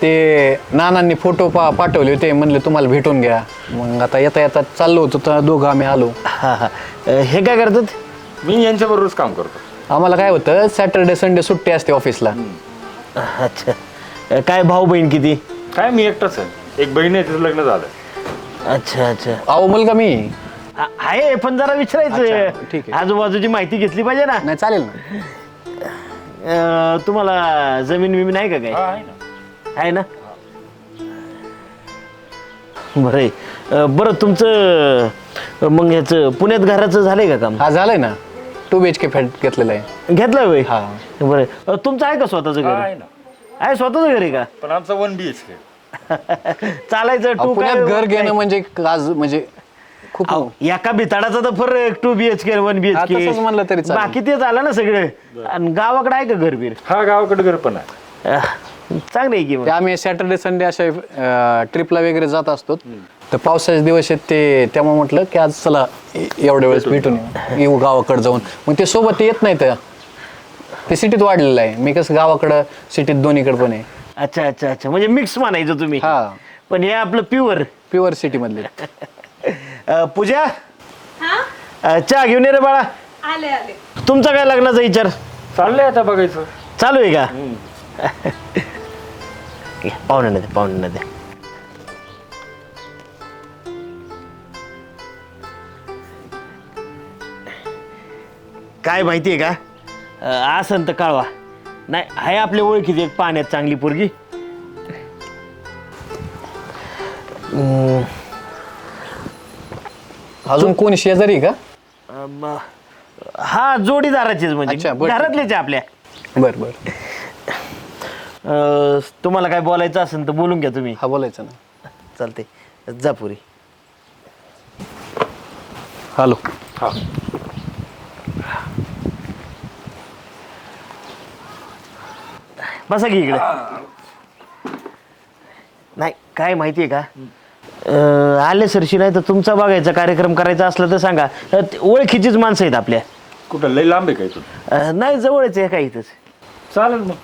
ते नानांनी फोटो पाठवले होते, म्हणले तुम्हाला भेटून घ्या. मग आता येता येता चाललो होतो तर दोघं आम्ही आलो. हा हा. हे काय करतात? मी यांच्याबरोबरच काम करतो. आम्हाला काय होतं, सॅटर्डे संडे सुट्टी असते ऑफिसला. अच्छा. काय भाऊ बहीण किती? काय मी एकटाच आहे, एक बहीण आहे, तिचं लग्न झालं. अच्छा अच्छा. अहो मुलगा मी. आहे पण जरा अच्छा, विचारायचं, ठीक आहे. आजूबाजूची माहिती घेतली पाहिजे ना. नाही चालेल ना. तुम्हाला जमीन बिमीन आहे का काय? हा, आहे ना. आहे ना. बरं आहे. बरं तुमचं मग ह्याचं पुण्यात घराचं झालंय का काम? हा झालंय ना, 2 BHK फ्लॅट घेतलेला आहे. घेतलं होय? हा. बरं तुमचं आहे का स्वतःचं घर? आहे ना, आहे स्वतःचं घर आहे का? पण आमचं 1 BHK. चालायचं टू पुण्यात घर घेणं म्हणजे आज म्हणजे खूप. एका बिताडाचा तर फरक 2 BHK 1 BHK तसंच म्हणलं तरी चालेल. बाकी ते झालं ना सगळं. आणि गावाकडे आहे का घर बीर? हा, गावाकडे घर पण आहे. चांगलं आहे की मग. ते आम्ही सॅटर्डे संडे अशा ट्रिपला वगैरे जात असतो. तर पावसाचे दिवस आहेत ते, त्यामुळे म्हटलं की आज चला एवढ्या वेळेस भेटून येऊ गावाकडे जाऊन. मग ते सोबत येत नाही तर ते सिटीत वाढलेलं आहे. मी कसं गावाकडं सिटीत दोन्हीकडे पण आहे. अच्छा अच्छा अच्छा. म्हणजे मिक्स म्हणायचं तुम्ही. हा. पण हे आपलं प्युअर सिटी मधले. पूजा, चहा घेऊन ये रे बाळा. आले आले. तुमचा काय लग्नाचा विचार चाललंय आता बघायचं. चालू आहे का? पाहुण्या दे पाहुण्या दे. काय माहितीये का, असं तर कळवा. नाही आहे आपल्या ओळखीची एक पाण्यात चांगली पोरगी. अजून कोण शेजारी का? हा जोडीदाराचीच अच्छा, म्हणजे बरं. घरातलेच आहे आपल्या. बर बर. तुम्हाला काय बोलायचं असेल तर बोलून घ्या तुम्ही. हा बोलायचं ना. चालते जा पुरी. हॅलो. हा, बसा की इकडे. नाही काय माहितीये का, आले सरशी नाही तर तुमचा बघायचा कार्यक्रम करायचा असला तर सांगा. ओळखीचीच माणसं आहेत आपल्या. कुठं लई लांब आहे काय इथून? नाही जवळच आहे काय इथंच. चालेल मग.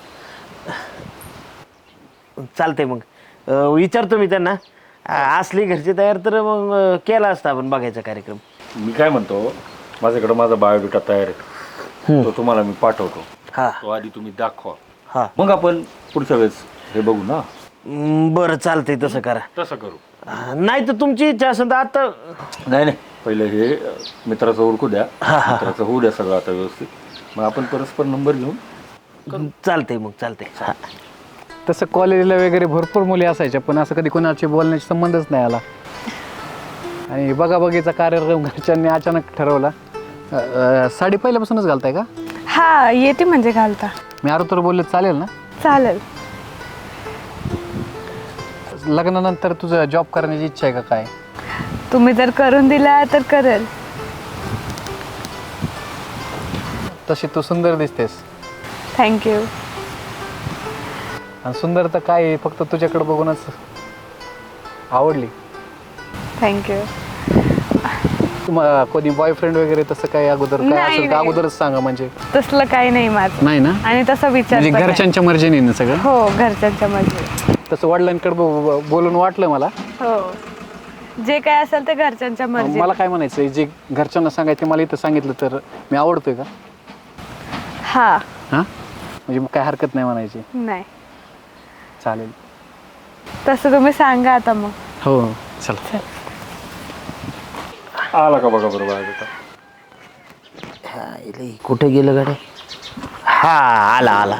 चालतंय मग विचारतो मी त्यांना. असली घरची तयार तर मग केला असता आपण बघायचा कार्यक्रम. मी काय म्हणतो, माझ्याकडे माझा बायोडेटा तयार आहे, तो तुम्हाला मी पाठवतो. हा तो आधी तुम्ही दाखवा, हा. मग आपण पुढच्या वेळेस हे बघू ना. बरं चालतंय तसं करा. तसं करू. नाही तर तुमची इच्छा असेल तर आता. नाही नाही, पहिलं हे मित्राचं ओळखू द्या, मित्राचं होऊ द्या सगळं आता व्यवस्थित. मग आपण परस्पर नंबर घेऊन चालतंय मग चालतंय. हा. तसं कॉलेजला वगैरे भरपूर मुली असायच्या, पण असं कधी कोणाची बोलण्याचा संबंधच नाही आला. आणि बघाबघीचा कार्यक्रम घरच्यांनी अचानक ठरवला. साडी पहिल्यापासूनच घालताय का? हा येते म्हणजे घालता. मी तर बोलले चालेल ना? चालेल. लग्नानंतर तुझं जॉब करण्याची इच्छा आहे का काय? तुम्ही जर करून दिला तर करेल. तशी तू सुंदर दिसतेस. थँक्यू. आणि सुंदर तर काय आहे, फक्त तुझ्याकडे बघूनच आवडली. थँक्यू. तुम्हाला कोणी बॉयफ्रेंड वगैरे तसं काय अगोदर काय नाही, असेल तर नाही. अगोदरच सांगा. म्हणजे तसलं काही नाही माझं. नाही ना? आणि तसा विचार म्हणजे पण नाही. घरच्यांच्या मर्जीने ना सगळं? हो घरच्यांच्या मध्ये. तसं वडिलांकडे बोलून वाटलं मला. हो जे काय असेल ते घरच्यांच्या मर्जी. मला काय म्हणायचं, जे घरच्यांना सांगायचं मला इथं सांगितलं तर मी आवडतोय का? हा. हां म्हणजे काय हरकत नाही म्हणायची? नाही चालेल. तसं तुम्ही सांगा आता मग. हो चला. आला का बघा बरोबर आहे बेटा. कुठे गेलं गाडी? हा आला आला.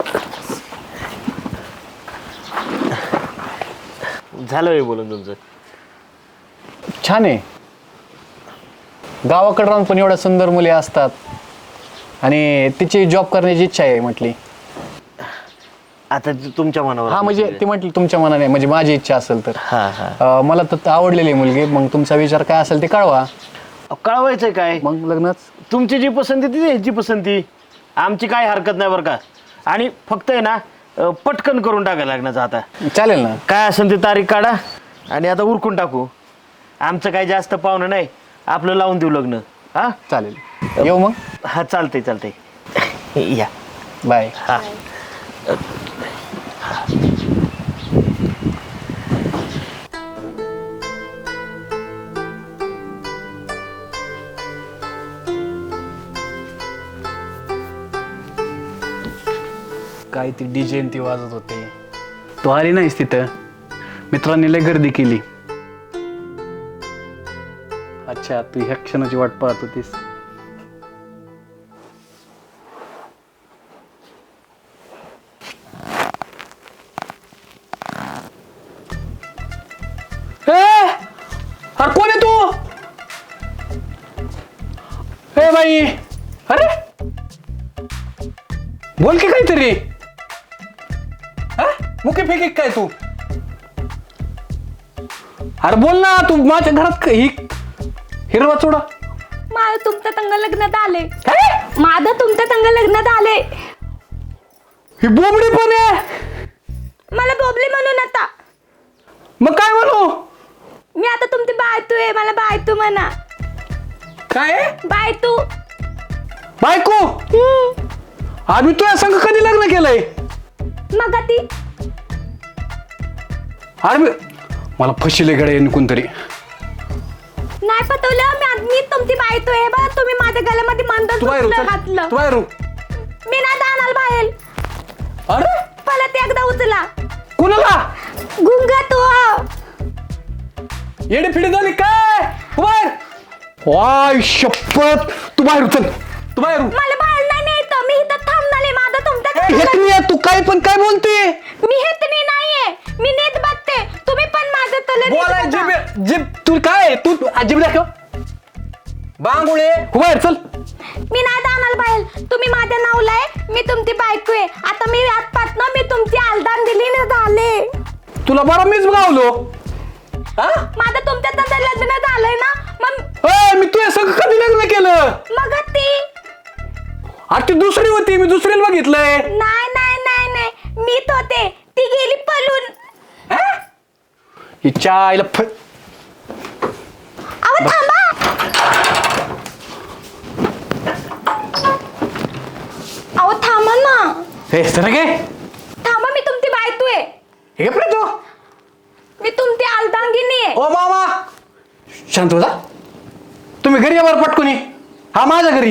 झालं हे बोलून तुमचं? छान आहे. गावाकडे राहून पण एवढ्या सुंदर मुली असतात आणि तिची जॉब करण्याची इच्छा आहे म्हटली. आता तुमच्या मनावर. हा म्हणजे ती म्हटली तुमच्या मनाने, म्हणजे माझी इच्छा असेल तर. हा हा. मला तर आवडलेली आहे मुलगी. मग तुमचा विचार काय असेल ते कळवा. कळवायचंय काय? मग लग्नच. तुमची जी पसंती ती ह्याची पसंती. आमची काय हरकत नाही बरं का. आणि फक्त आहे ना पटकन करून टाकायला लग्नाचं आता. चालेल ना? काय असेल ते तारीख काढा आणि आता उरकून टाकू. आमचं काय जास्त पाहुणं नाही, आपलं लावून देऊ लग्न. हा चालेल. येऊ मग? हा चालतंय चालतंय. या बाय. हा. काय ती डीजे ती वाजत होते. तू आली नाहीस तिथं. मित्रांनी लय गर्दी केली. अच्छा, तू ह्या क्षणाची वाट पाहत होतीस. अरे कोण आहे तू? ए बाई, अरे बोल की काहीतरी. मुके फेकी काय तू? अरे बोल ना, तू माझ्या घरात ही हिरवा चोडा. माझं तुमच्या संग लग्नात आले. काय? माझं तुमच्या संग लग्नात आले. ही बोबडी पण आहे. मला बोबली म्हणून आता. मग काय म्हणू? मी आता तुमची बायतू आहे. मला बायतू म्हणा. काय बायतू. बायको? आम्ही तुझ्या संग कधी लग्न केलंय? मग ती अरे मला फशीले गडे कोणतरी. नाही पटवलं. मी तुमची बायतू आहे बा. तुम्ही माझ्या गळ्यामध्ये तू बाहेर मंदर घातलं. तू बाहेर. मी नाही जाणार बाहेर. अरे परत एकदा उचला. कुणाला? गुंगा तू. येडी फिडी झाली काय? तू बाहेर. वाय शपथ, तू बाहेर उचल. तू बाहेर. मला बाहेर नाही न्यायचं. मी इथं थांबणार आहे. माझं तुमच्या हेतनी आहे, तू काय पण काय बोलते? मी हेतनी नाहीये. मी नीट बघते. तुम्ही पण माझं तले नीट बोलाय बघा. जिब जिब. तू काय तू अजिब दाखव. बांगुळे तू बाहेर चल. मी नाही जाणार बाहेर. तुम्ही माझ्या नावला आहे. मी तुमची बायको आहे. आता मी आजपासनं मी तुमची आलदान दिली ना झाले. तुला बरं मीच गावलो. हा? माझं तुमच्या तसं लग्न झालंय ना. मग मी तुझ्या संग कधी लग्न केलं? मग ती अरे ती दुसरी होती. मी दुसरीला बघितलंय. नाही नाही नाही नाही मीच होते. ती गेली पळून. हिच्या आईला अहो थांबा. अहो थांबा ना. हे सर गे. थांबा. मी तुमची बायको आहे. हे पण तू. मी तुमची आलदांगिनी आहे. ओ मामा शांत हो जा. तुम्ही घरी यावर पटकुनी. हा माझ्या घरी.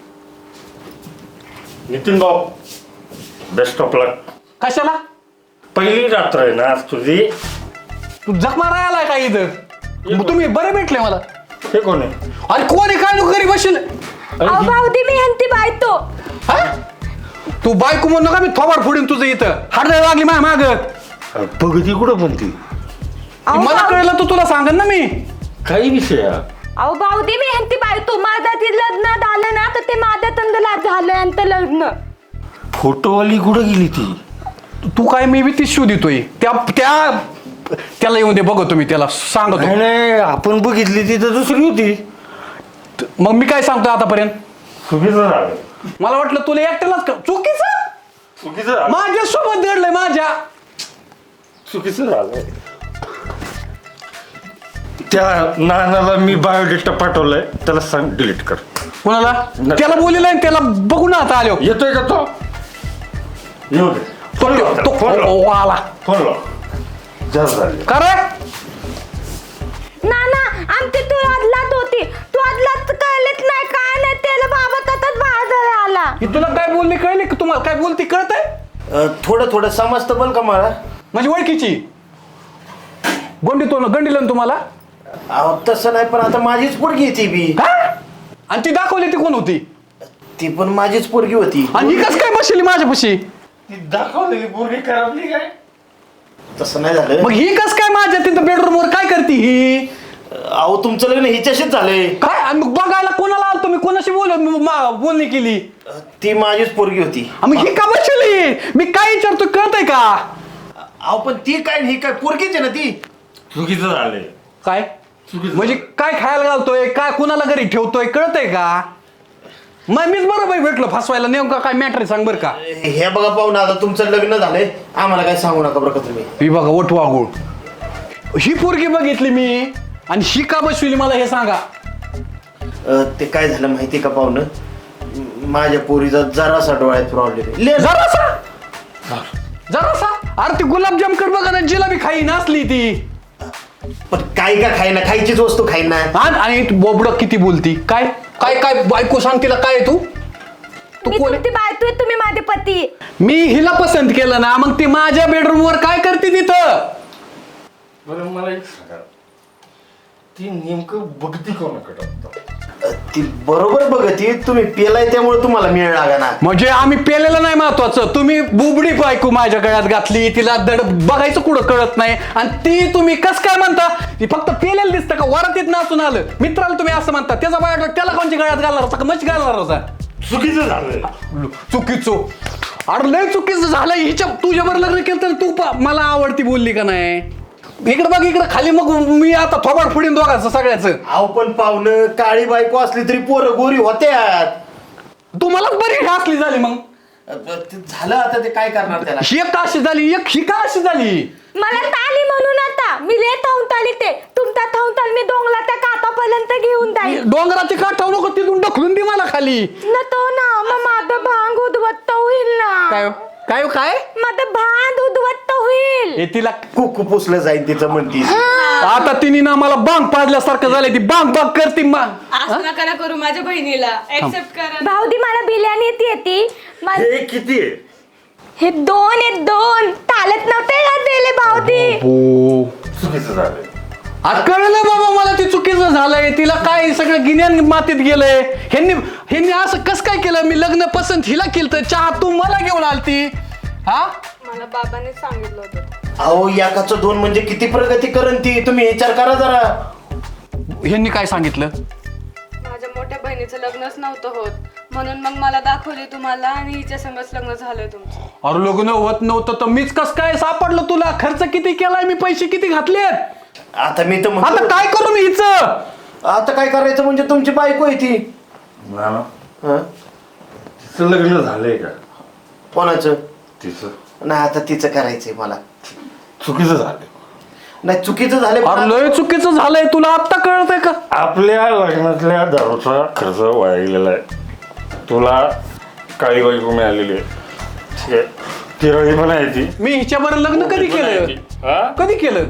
नितीन भाऊ, बेस्ट ऑफ लक. कशाला? पहिली रात्र आहे ना आज तुझी. तू जखमा राहिलाय का इथं? मग तुम्ही बरे भेटले मला. हे कोण आहे? अरे कोण आहे काय? तू घरी बसेल. अहो भाऊदी मी ह्यांची बायको. हा? तू बायको म्हणू नका. मी थोबाड फोडीन तुझं इथं. हाडं लागली माझ्या माग. बघ ती कुठं म्हणती. अहो मला भाऊ- कळलं तर तुला सांगन ना मी. काही विषय आहे? अहो भाऊदी मी ह्यांची बायको. माझं ते लग्न झालं ना तर ते माझ्या तंदला झालं यांचं लग्न. फोटोवाली कुठं गेली ती? तू काय मी बी ती शो देतोय. त्याला येऊन दे. बघतो मी त्याला सांगतो. नाही नाही, आपण बघितली ती तर दुसरी होती. मग मी काय सांगतो आतापर्यंत? चुकीचं झालं. मला वाटलं तुला एकट्यालाच चुकीचं. चुकीचं झालं. माझ्या सोबत दडलंय माझ्या. चुकीचं झालंय. त्या नानाला मी बायोडेटा पाठवलाय. त्याला सांग डिलीट कर. कोणाला? त्याला बोललेलं आहे. त्याला बघून आता आलो. येतोय का तो? येऊ दे. फोन लाव त्याला, फोन लाव. आला फोन लाव. जास्त झाले. का रे? ना आमची तू अदलात होती. तू अदलात कळलेच नाही काय नाही. त्याला बाबा तसंच बाहेर आला. ही तुला काय बोलली कळली की? तुम्हाला काय बोलती कळत आहे? थोडं थोडं समजतं बल का मला. माझी ओळखीची गंडीला ना तुम्हाला. अहो तसं नाही, पण आता माझीच पोरगी आहे ती बी. हा? आणि ती दाखवली ती कोण होती? ती पण माझीच पोरगी होती. आणि ही कस काय बसली माझ्यापाशी? ती दाखवलेली पोरगी खराबली काय? तसं नाही झालं. मग ही कस काय माझ्या तिथं बेडरूम वर काय करते ही? अहो तुमचं लग्न हिच्याशीच झालंय. काय? आणि मग बघायला कोणाला आलतो मी? कोणाशी बोलणी केली? ती माझीच पोरगी होती. मग ही का बसली? मी काय विचारतो कळतंय का? अहो पण ती काय ही काय पोरगीच आहे ना ती. चुकीचं झालंय. काय म्हणजे काय खायला घालतोय? काय कुणाला घरी ठेवतोय कळतंय का? मग मीच बरोबर भेटलो फसवायला. नेमका काय मॅटर सांग बरं का? हे बघा पाहून आता तुमचं लग्न झालंय. आम्हाला काय सांगू नका बरं का तुम्ही. ही बघा ओठवा गुळ. ही पोरगी बघितली मी आणि ही का बसविली मला हे सांगा. ते काय झालं माहिती का पाहुणं. माझ्या पोरीचा जरासा डोळ्यात प्रॉब्लेम आहे. जरासा. अरे ती गुलाबजाम कर बघा ना. जिलाबी खाई नसली ती. पण काय का खाईना. खायचीच वस्तू खाईना. आणि बोबड किती बोलती. काय काय काय बायको सांग तिला काय तू? मी कोण तुमची बायको आहे, तुम्ही माझे पती आहे. मी हिला पसंत केलं ना, मग ती माझ्या बेडरूम वर काय करते तिथं? बरं मला एक सांगा, ती नेमकं बघती कोणाकडे आता? ती बरोबर बघती, तुम्ही पेलाय त्यामुळे तुम्हाला मिळ लागा ना. म्हणजे आम्ही पेलेलं नाही महत्वाचं, तुम्ही बुबडी बायको माझ्या गळ्यात घातली, तिला दड बघायचं कुठं कळत नाही, आणि ती तुम्ही कस काय म्हणता? ती फक्त पेलेलं दिसतं का? वरातीत नाचून आलं मित्राला तुम्ही असं म्हणता, त्याचा बायोडा त्याला कोणच्या गळ्यात घालणार होता का मच घालणार होता? चुकीचं झालं. चुकीचं? अरे लय चुकीचं झालं. हिच्या तुझ्यावर लग्न केलं तर तू मला आवडती बोलली का नाही? इकडे बघ, इकडे खाली, मग मी आता थोबाड फुडीन दोघांचं सगळ्याच. अहो पण पाहुणं, काळी बायको असली तरी पोरं गोरी होत्यात. तू मलाच बरी घासली झाली. मग ते झालं, आता ते काय करणार त्याला? ही का अशी झाली, एक ही का अशी झाली? मला ताली म्हणून आता मी लय थांबून ताली, ते तुमचा थांबून ताल मी डोंगला त्या कातापर्यंत घेऊन जाईल. डोंगराची काठ ठेवू नको, तिथून ढकलून दे मला खाली. न तो ना मग माझं भांग उद्वत्त होईल ना. काय काय काय? माझं भांग उद्वत्त होईल. हे तिला कुकू पुसलं जाईल तिचं म्हणती. आता तिने ना मला बांग पाजल्यासारखं झालंय, ती बांग बांग करते. असं नका ना करू माझ्या बहिणीला, एक्सेप्ट करा. भाऊदी मला बिर्याणी येते हे किती आहे? हे 2 आहेत, 2 चालत नव्हते का दिले भाऊदी. चुकीचं झालं. आज कळलं बाबा मला, ती चुकीचं झालंय. तिला काय सगळं गिन्यान मातीत गेलंय. ह्यांनी असं कस काय केलं? मी लग्न पसंत हिला केलं तर चहा तू मला घेऊन आलती. हा मला बाबाने सांगितलं होतं. अहो एकाचं 2 म्हणजे किती प्रगती करण ती, तुम्ही विचार करा जरा. ह्यांनी काय सांगितलं? माझ्या मोठ्या बहिणीचं लग्नच नव्हतं होत, म्हणून मग मला दाखवली तुम्हाला आणि हिच्या संगच लग्न झालंय तुमचं. अरे लग्न होत नव्हतं तर मीच कस काय सापडलं तुला? खर्च किती केलाय मी, पैसे किती घातलेत? आता मी तर आता म्हणतो, काय करू मी हिचं? आता काय करायचं म्हणजे तुमची बायको आहे ती. ना हं? तिचं लग्न झालंय का? कोणाचं? तिचं नाही, आता तिचं करायचंय मला. चुकीचं झालं. नाही चुकीचं झालं, अरे लय चुकीचं झालंय. तुला आता कळतंय का? आपल्या लग्नातल्या दारूचा खर्च वाया गेलेला आहे. तुला काळी बायको मिळालेली आहे, ठीक आहे, तिरळी पण आहे ती. मी हिच्याबरोबर लग्न कधी केलं? हा? कधी केलं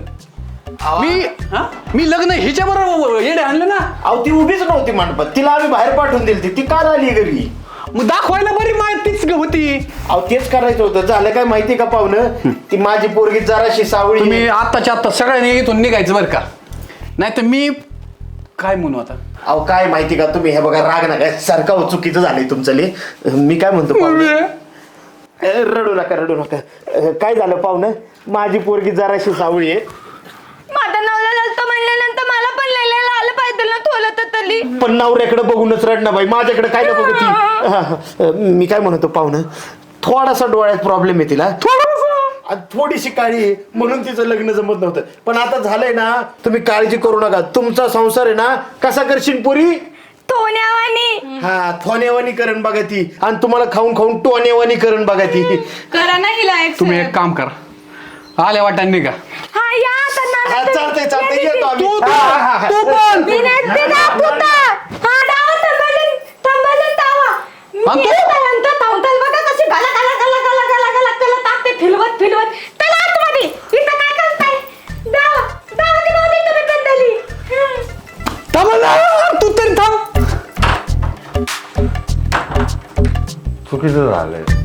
मी लग्न हिच्याबरोबर येडे आणलं ना. अहो ती उभीच नव्हती मंडपात, तिला आम्ही बाहेर पाठवून दिली. ती काल आली घरी. मग दाखवायला बरी माहितीच होती. अहो तेच करायचं होतं. झालं काय माहिती का पाहुणं, ती माझी पोरगी जराशी सावळी. तुम्ही आत्ताच्या आत्ता सगळ्यांनी इथून निघायचं बरं का, नाही तर मी काय म्हणू आता. अहो काय माहिती का, तुम्ही हे बघा, राग नका सारखं. हो चुकीचं झालंय तुमचं लय. मी काय म्हणतो पाहुणं, रडू नका रडू नका. काय झालं पाहुणं, माझी पोरगी जराशी सावळी आहे. माझं नवला ललतो म्हणल्यानंतर मला पण लिहिलेलं आलं पाहिजे ना, थोलं तर तली. पण नवऱ्याकडे बघूनच रडणं बाई, माझ्याकडे काय ना बघती. मी काय म्हणतो पाहुणं, थोडासा डोळ्यात प्रॉब्लेम आहे तिला, आणि थोडीशी काळी आहे, म्हणून तिचं लग्न जमत नव्हतं. पण आता झालंय ना, तुम्ही काळजी करू नका. तुमचा संसार आहे ना, कसा करशील पोरी? थोण्यावानी. हा, थोनेवानी करण बघा ती, आणि तुम्हाला खाऊन खाऊन टोनेवानी करण बघा ती. करा ना हिला तुम्ही accept. एक काम करा, आल्या वाटाने निघा. हा या आता हा, नाना. चालतंय चालतंय, येतो आम्ही. तू हा, हा, हा. तू पण मी नाही ते दाखवता. हा डावा थांबलं डावा. आणि मी तू? येतानंतर थांबताल बघा कशी गला गला गला गला गला गला गला टाकते फिरवत फिरवत. चला आतमध्ये. इथं काय करताय? डावा ती नव्हती तुम्ही बदलली. थांब ना, तू तरी थांब. चुकीचं झालंय.